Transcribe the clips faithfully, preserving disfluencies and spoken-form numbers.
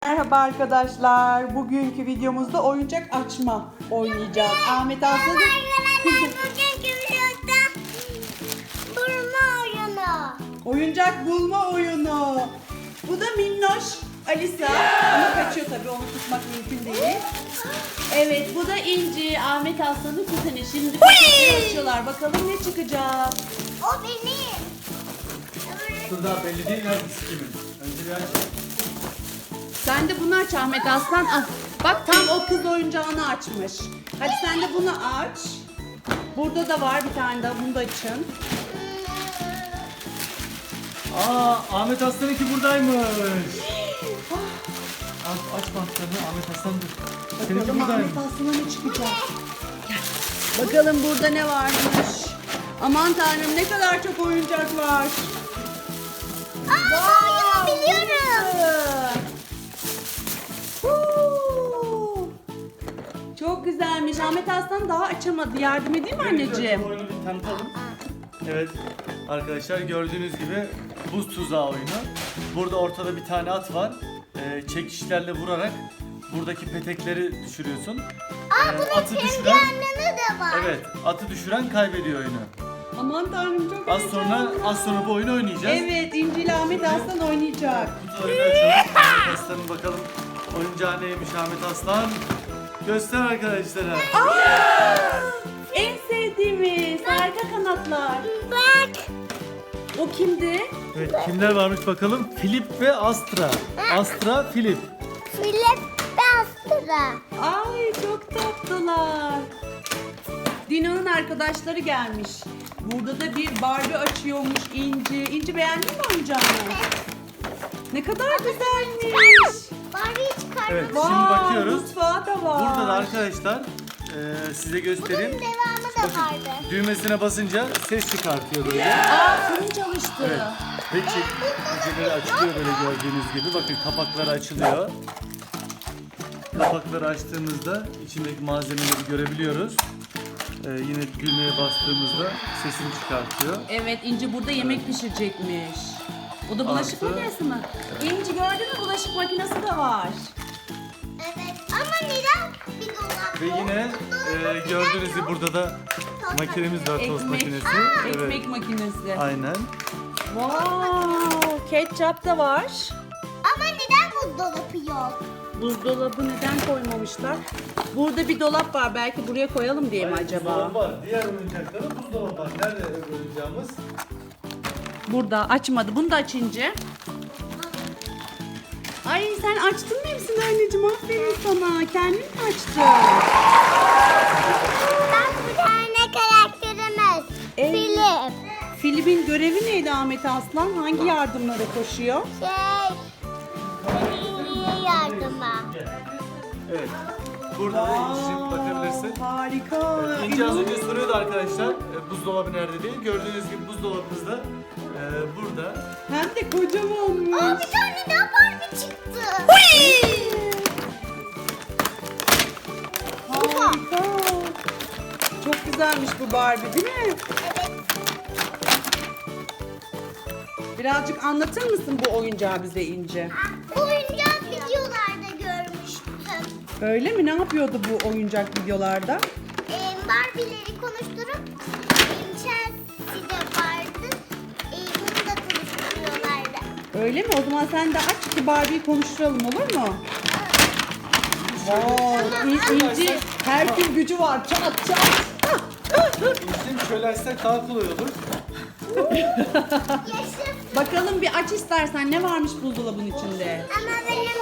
Merhaba arkadaşlar. Bugünkü videomuzda oyuncak açma oynayacağız. Ahmet Aslan'ın Bugünkü videoda bulma oyunu. oyuncak bulma oyunu. Bu da minnoş Alisa. Ama kaçıyor tabii, onu tutmak mümkün değil. Evet, bu da İnci, Ahmet Aslan'ın kuzeni. Şimdi paketleri açıyorlar. Bakalım ne çıkacak. O benim. Dur daha belli değil hangisi kimin. Önce bir aç. Sen de bunu aç Ahmet Aslan. Al. Bak, tam o kız oyuncağını açmış. Hadi sen de bunu aç. Burada da var bir tane daha. Bunu da açın. Aa, Ahmet Aslan'ınki buradaymış. Aç, aç bantlarını Ahmet Aslan dur. Seninki Bakalım buradaymış. Ahmet Aslan'a ne çıkacak. Gel. Bakalım burada ne varmış. Aman tanrım, ne kadar çok oyuncak var. Aa, oyunu biliyorum. Huu. Çok güzelmiş. Ahmet Aslan daha açamadı. Yardım edeyim mi anneciğim? Bu oyunu bir tanıtalım. Evet arkadaşlar, gördüğünüz gibi buz tuzağı oyunu. Burada ortada bir tane at var. Ee, çekişlerle vurarak buradaki petekleri düşürüyorsun. Aa, Ee, bunun atı kendi düşüren, anlamı da var. evet, atı düşüren kaybediyor oyunu. Aman tanrım, çok Az sonra heyecanlı. az sonra bu oyunu oynayacağız. Evet, İnci ile Ahmet Aslan oynayacak. Kutularını açalım. Ahmet Aslan'ın bakalım oyuncağı neymiş Ahmet Aslan. Göster arkadaşlara. En sevdiğimiz harika kanatlar. Bak. O kimdi? Evet, kimler varmış bakalım. Filip ve Astra. Astra, Filip. Filip Bastıra. Ay, çok tatlılar. Dino'nun arkadaşları gelmiş. Burada da bir Barbie açıyormuş İnci. İnci, beğendin mi oyuncağını? Ne kadar güzelmiş. Barbie'yi çıkardım. Evet, şimdi Vay, bakıyoruz. mutfağı da var. Burada da arkadaşlar e, size Bunun göstereyim. devamı da Bakın, vardı. düğmesine basınca ses çıkartıyor böyle. Aa, fırın çalıştı. Evet. Ve çek, ucuları açılıyor böyle gördüğünüz gibi. Bakın, kapakları açılıyor. Kapakları açtığımızda içindeki malzemeleri görebiliyoruz. Ee, yine düğmeye bastığımızda sesini çıkartıyor. Evet, İnci burada yemek pişirecekmiş. O da bulaşık Artı- makinesi mi? İnci, gördün mü, bulaşık makinesi de var. Evet. Ama neden bir dolap Ve yok? yine e, gördüğünüz gibi burada da makinemiz var, tost makinesi. Ekmek Evet. makinesi. Aynen. Wow, ketçap da var. Ama neden buzdolabı yok? Buzdolabı neden koymamışlar? Burada bir dolap var, belki buraya koyalım diye mi acaba? Buzdolabı var. Diğer oyuncaklarda buzdolabı var. Nerede öbür oyuncağımız? Burada açmadı. Bunu da açınca. Ay, sen açtın mı hepsini anneciğim? Aferin sana. Kendin mi açtın? Bak, bir tane karakterimiz. Evet. Filip. Filip'in görevi neydi Ahmet Aslan? Hangi yardımlara koşuyor? Şey. iyi yardıma. Evet. Burada da İnci'cim bakabilirsin. Harika. İnci az önce soruyordu arkadaşlar e, buzdolabı nerede diye. Gördüğünüz gibi buzdolabımız da e, burada. Hem de kocamanmış. Aa, bir tane daha Barbie çıktı. Harika. Çok güzelmiş bu Barbie, değil mi? Evet. Birazcık anlatır mısın bu oyuncağı bize İnci? Bu oyuncağı videolarda görmüştüm. Öyle mi? Ne yapıyordu bu oyuncak videolarda? Ee, Barbie'leri konuşturup Chelsea'de vardı. Ee, bunu da konuşturuyorlardı. Öyle mi? O zaman sen de aç ki Barbie'yi konuşturalım, olur mu? Wow, İn- İnci her gün gücü var. Çat çat. İnci'cim şöyle açsak daha kolay olur. Yaşım. Bakalım bir aç istersen, ne varmış buzdolabının içinde? Ama benim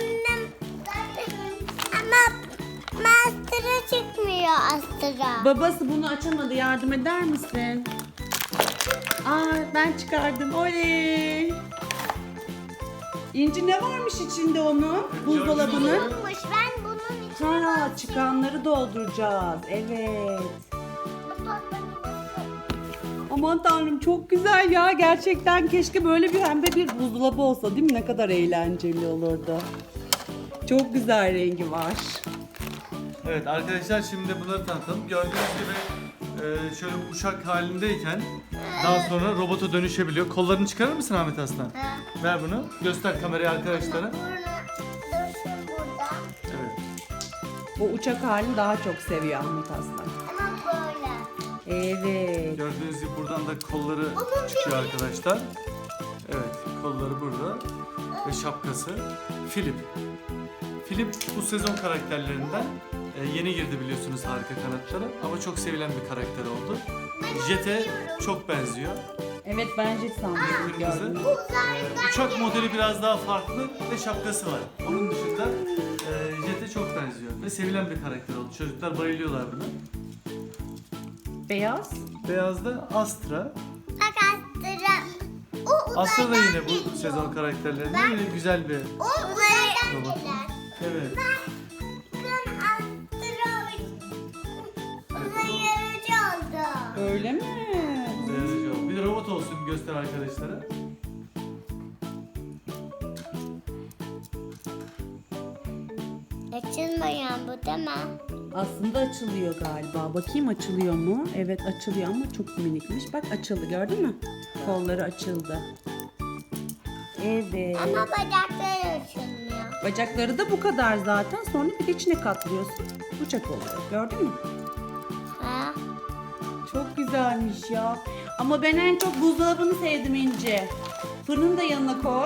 ama Master'a çıkmıyor Astra. Babası bunu açamadı. Yardım eder misin? Aa, ben çıkardım. Oley. İnci, ne varmış içinde onun? Buzdolabının? Yokmuş, ben bunun için Ha, çıkanları dolduracağız. Evet. Aman tanrım, çok güzel ya. Gerçekten keşke böyle bir pembe bir buzdolabı olsa, değil mi? Ne kadar eğlenceli olurdu. Çok güzel rengi var. Evet arkadaşlar, şimdi bunları tanıtalım. Gördüğünüz gibi e, şöyle uçak halindeyken daha sonra robota dönüşebiliyor. Kollarını çıkarır mısın Ahmet Aslan? Ver bunu. Göster kameraya arkadaşlara. Burnu, O uçak halini daha çok seviyor Ahmet Aslan. Ama böyle. Evet. Gördüğünüz gibi buradan da kolları çıkıyor arkadaşlar. Evet, kolları burada ve şapkası. Filip. Filip bu sezon karakterlerinden e, yeni girdi biliyorsunuz Harika Kanatlara ama çok sevilen bir karakter oldu. Jet'e çok benziyor. Evet ben Jet sandım. Kırmızı. gördüm. Ee, uçak modeli biraz daha farklı ve şapkası var. Onun dışında e, Jet'e çok benziyor ve sevilen bir karakter oldu. Çocuklar bayılıyorlar buna. Beyaz. Beyaz da Astra. Bak Astra. O Astra da uzaydan yine bu geliyor. sezon karakterlerinden yine güzel bir O uzaydan robot. gelir. Evet. Bakın Astra uzay aracı oldu. Öyle mi? Beyaz oldu. Bir de robot olsun göster arkadaşlara. Açılmayan bu değil mi? Aslında açılıyor galiba. Bakayım açılıyor mu? Evet açılıyor ama çok minikmiş. Bak açıldı gördün mü? Kolları açıldı. Evet. Ama bacakları açılmıyor. Bacakları da bu kadar zaten. Sonra bir de içine katlıyorsun. Uçak oluyor. Gördün mü? Ha? Çok güzelmiş ya. Ama ben en çok buzdolabını sevdim İnci. Fırını da yanına koy.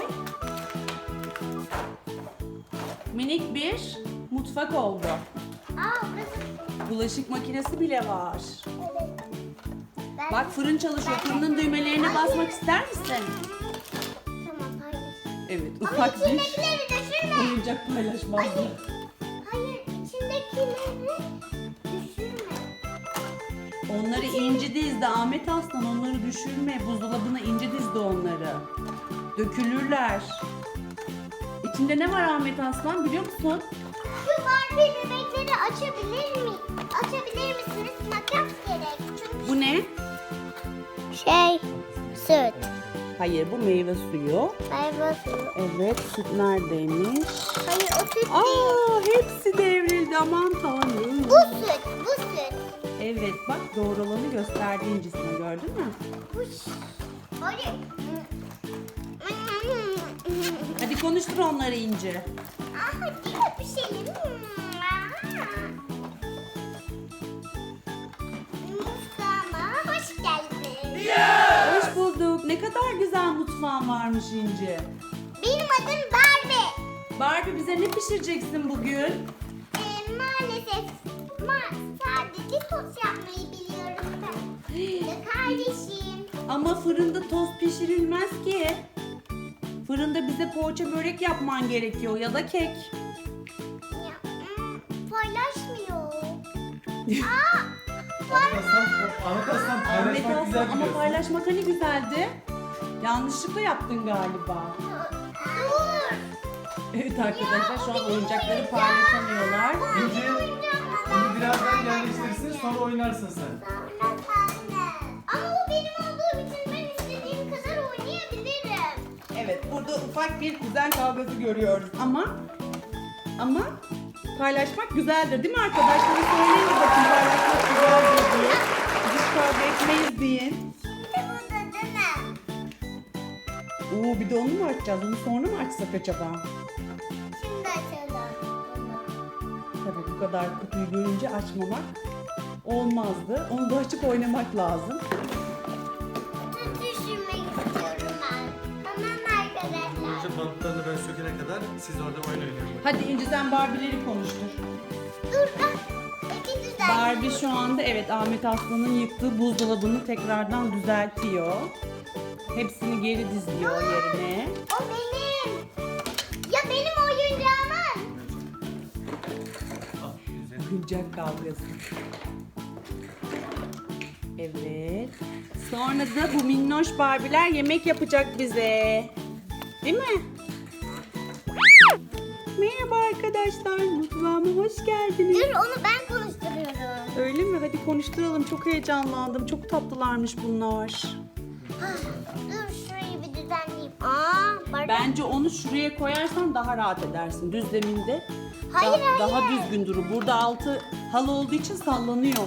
Minik bir mutfak oldu. Aa burası. Bulaşık makinesi bile var. Evet. Ben... Bak fırın çalışıyor. Fırının düğmelerine basmak ister misin? Tamam hayır. Evet Ama ufak bir içindekileri düşürme. oyuncak paylaşmazdı. Hayır içindekileri düşürme. Onları İnci dizdi Ahmet Aslan, onları düşürme. Buzdolabına İnci dizdi onları. Dökülürler. İçinde ne var Ahmet Aslan biliyor musun? Şu Barbie bebekleri açabilir mi? Açabilir misiniz? Makas gerek. Çünkü... Bu ne? Şey, süt. Hayır bu meyve suyu. Meyve suyu. Evet süt neredeymiş? Hayır o süt değil. Aa hepsi devrildi aman tanrım. Bu süt, bu süt. Evet bak doğru olanı gösterdi İncisine gördün mü? Bu ş- Hayır. Hadi konuştur onları İnci. Aa, değil mi bir şey? Mutfağıma hoş geldin. Hoş bulduk. Ne kadar güzel mutfağın varmış İnci. Benim adım Barbie. Barbie bize ne pişireceksin bugün? Ee, maalesef ma sadece tost yapmayı biliyorum ben. Ve kardeşim. Ama fırında tost pişirilmez ki. Fırında bize poğaça börek yapman gerekiyor ya da kek. Ya, hmm, paylaşmıyor. Aa, Ahmet Aslan, Ahmet Aslan Ahmet paylaşmak Aslan güzel ama biliyorsun. paylaşmak hani güzeldi. Yanlışlıkla yaptın galiba. dur. Evet arkadaşlar şu an oyuncakları paylaşamıyorlar. İnci, bunu birazdan yerleştirirsin sonra oynarsın sen. Sonra sen de. Ama o benim olduğum için ben istediğim kadar oynayabilirim. Evet burada ufak bir kuzen kavgası görüyoruz ama ama paylaşmak güzeldir değil mi arkadaşlar? Söyleyin de bakın paylaşmak güzeldir diye. Biz kavga etmeyiz deyin. Şimdi burada değil mi? Oo bir de onu mu açacağız? Onu sonra mı açsak acaba? Şimdi açalım bunu. Tabii bu kadar kutuyu görünce açmamak olmazdı. Onu da açıp oynamak lazım. Süt düşürmek istiyorum ben. Tamam arkadaşlar. Önce bantlarını ben sökene kadar siz orada oyun oynayın. Hadi İnci sen Barbie'leri konuştur. Dur ben. İki düzen. Barbie şu anda evet Ahmet Aslan'ın yıktığı buzdolabını tekrardan düzeltiyor. Hepsini geri dizliyor yerine. O benim. Ya benim oyuncağımın. Al, güzel. Oyuncak kavgası. Evet. Sonra da bu minnoş Barbie'ler yemek yapacak bize. Değil mi? Merhaba arkadaşlar. Mutfağıma hoş geldiniz. Dur onu ben konuşturuyorum. Öyle mi? Hadi konuşturalım. Çok heyecanlandım. Çok tatlılarmış bunlar. Dur şurayı bir düzenleyeyim. Aa, Barbie. Bence onu şuraya koyarsan daha rahat edersin. Düz zeminde. Hayır, da- hayır. Daha düzgün durur. Burada altı halı olduğu için sallanıyor.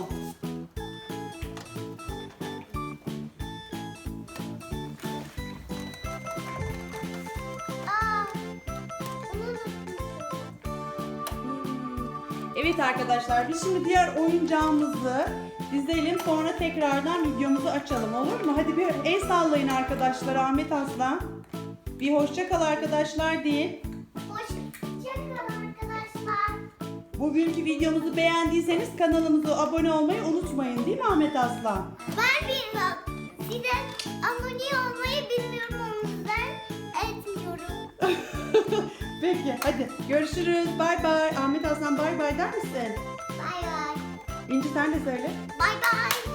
Aa, bunu unutmuşum. Evet arkadaşlar, biz şimdi diğer oyuncağımızı dizelim, sonra tekrardan videomuzu açalım, olur mu? Hadi bir el sallayın arkadaşlar. Ahmet Aslan. Bir hoşça kal arkadaşlar deyin. Hoşçakalın arkadaşlar. Bugünkü videomuzu beğendiyseniz kanalımıza abone olmayı unutmayın, değil mi Ahmet Aslan? Ben bilmem. Size abone olmayı bilmiyorum, o yüzden etmiyorum. Peki hadi görüşürüz. Bay bay. Ahmet Aslan bay bay der misin? Bay bay. İnci sen de söyle. Bay bay.